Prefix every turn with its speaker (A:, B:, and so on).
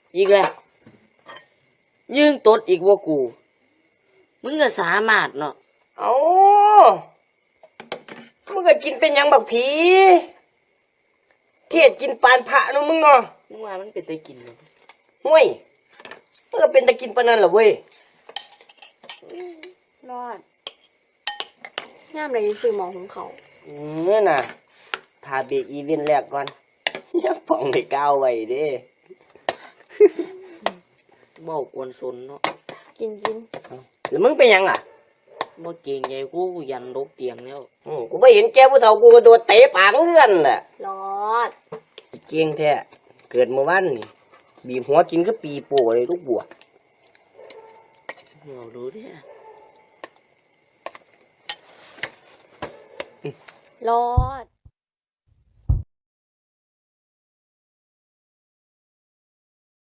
A: อีกแล้วยิงตดอีกว่ากูมึงก็สามารถเนาะ
B: เอามึงก็กินเป็นหยังบักผีเทศกินปานพระเนาะมึงเนาะ
A: มึงว่ามันเป็นตะกินเนาะ
B: ห่วยมึงก็เป็นตะกินปานนั้นเหรอเว้ย
C: รอดย่ามไรซื้อหมอของเขา
B: เนี่ยน่ะทาเบรกอีเวนต์แรกก่อนอย่าป่องให้ก้าวไว้เด้
A: เบ้ากวนสนเนาะ
C: กิน
B: แล้วมึงเป็นหยังอ่ะ
A: บ่เก่งใหญ่กูยันลกเตียงแล้ว
B: กูไม่เห็นแกผู้เฒ่ากูกระโดดเตะปากเงื่อนแหละ
C: รอด
B: เก่งแท้เกิดเมื่อวันนี่บีบหัวกินก็ปีโป้เลยลูกบัว
A: เราดูดิ
C: รอด